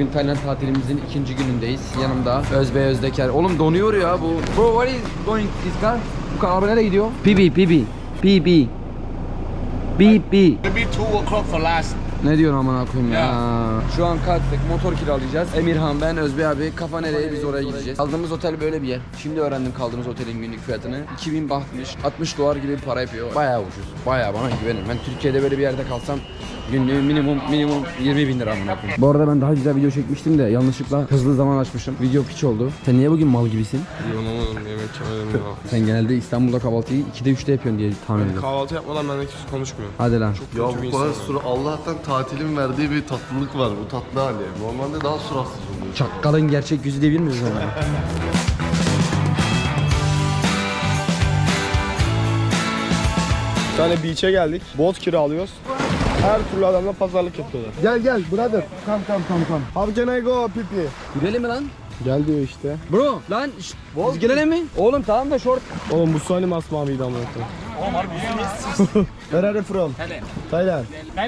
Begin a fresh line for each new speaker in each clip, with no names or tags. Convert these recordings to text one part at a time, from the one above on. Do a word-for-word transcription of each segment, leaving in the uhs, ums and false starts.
Bugün Tayland tatilimizin ikinci günündeyiz. Yanımda Özbey Özdeker. Oğlum donuyor ya bu. Bro, what is going this car? Bu car araba nereye gidiyor? P B, P B. P B. B B.
Maybe two o'clock for last.
Ne diyorsun amına koyayım ya?
Ya.
Şu an kalktık, motor kiralayacağız. Emirhan, ben, Özbey abi, kafa nereye, biz oraya gideceğiz. Kaldığımız otel böyle bir yer. Şimdi öğrendim kaldığımız otelin günlük fiyatını. iki bin bahtmış, altmış dolar gibi bir para yapıyor. Bayağı ucuz, bayağı, bana güvenin. Ben Türkiye'de böyle bir yerde kalsam günlüğü minimum minimum yirmi bin lira amına koyayım. Bu arada ben daha güzel video çekmiştim de yanlışlıkla hızlı zaman açmışım. Video piç oldu. Sen niye bugün mal gibisin?
Yorulamadım, yemek yemedim ya.
Sen genelde İstanbul'da kahvaltıyı ikide üçte yapıyorsun diye tahmin ediyorum.
Kahvaltı yapmadan ben de kimse konuşmuyor.
Hadi lan.
Çok
Ya
kötü bir
bu kadar
insanım.
süre Allah'tan tatilin verdiği bir tatlılık var, bu tatlı hali. Normalde daha suratsız oluyor.
Çakkalın gerçek yüzü diyebilir miyiz ona?
Bir tane beach'e geldik. Bot kiralıyoruz. Her türlü adamla pazarlık yapıyorlar. Gel gel brother. Come come come come. How can I go pipi?
Girelim mi lan?
Gel diyor işte.
Bro lan şşt, biz gelelim mi? Oğlum tamam da short.
Oğlum bu sani masmaviydi ama. Where are you from? Thailand.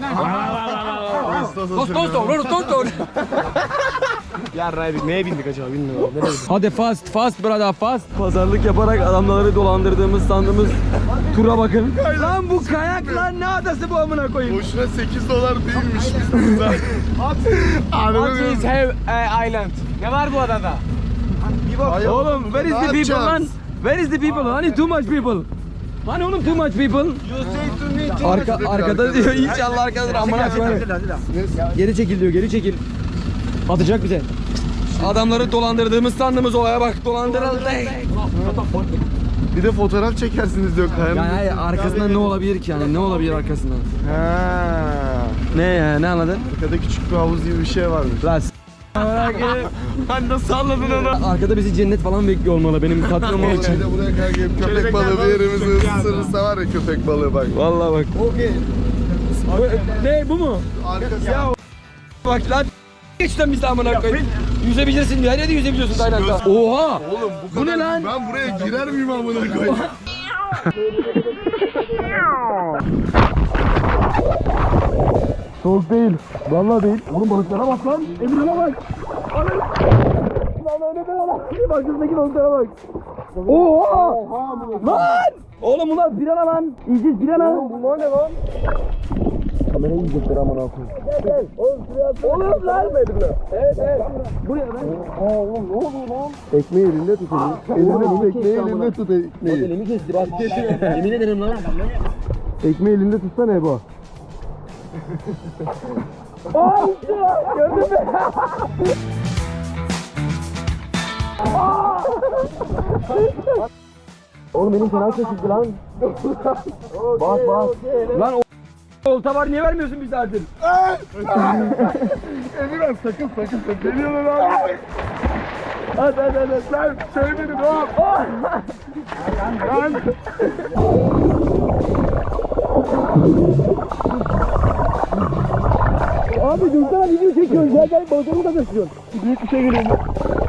Dost dost dost dost dost.
Yarraydık. Neye bindik acaba bilmiyorum. Nereye bindik?
Hadi fast fast brother fast. Pazarlık yaparak adamları dolandırdığımız sandığımız tura bakın. Lan bu kayak lan, ne adası bu amına koyayım?
Boşuna sekiz dolar değilmiş biz burada.
What have uh, island? Ne var bu adada?
Oğlum where is the people lan? Where is the people? Hani too much people. Hani oğlum too much people. Arka, arkada diyor inşallah arkadadır amına koyayım. Geri çekil diyor, geri çekil. Atacak bize. Adamları dolandırdığımız sandığımız olaya bak, dolandırıldı.
Bir de fotoğraf çekersiniz diyor kayanın.
Yani hayır, arkasından ne olabilir ki yani, ne olabilir arkasından?
Ha.
Ne ya, ne anladın?
Arkada küçük bir havuz gibi bir şey varmış.
Lan s***
Hani nasıl anladın onu?
arkada bizi cennet falan bekliyor olmalı benim tatlım
Oğlum
için.
bir de buraya kadar gelip köpek balığı bir yerimizi ısırırsa var ya, köpek balığı bak.
Vallahi bak.
Okey.
Ne bu mu?
Arkası
Ya bak lan geçten biz de amına koyayım. Yüzebilirsin diyor. Her yerde yüzebiliyorsun Tayland'da. Oha!
Oğlum bu,
Bu ne
kadar-
lan?
Ben buraya girer miyim amına koyayım?
Soğuk değil. Vallahi değil. Oğlum balıklara bak lan. Emirhan'a bak. Lan önüne lan. Başımdaki balıklara bak.
Oha! Lan! Oğlum bunlar pirana lan. İyice pirana.
Bunlar ne lan?
Kamerayı yiyecekler amına koyayım.
Gel gel. Oğlum şuraya. Oğlum lan. Evet evet.
Buraya lan.
Aa oğlum ne oluyor lan?
Ekmeği elinde tut. Elinde tut, ekmeği elinde tut ekmeği.
Elimi kesti bak. Yemin ederim lan.
Ekmeği elinde tutsana Ebo.
Oğlum benim fena seçildi lan. Bak bak. Lan o olta var, niye vermiyorsun bir saattir?
Emirhan sakın sakın sakın. Geliyorlar abi. Hadi hadi hadi. Sen söyledin oğlum. Lan. Abi dursana video çekiyoruz ya, gel balıklarımı da taşıyorsun. Büyük bir şey geliyor.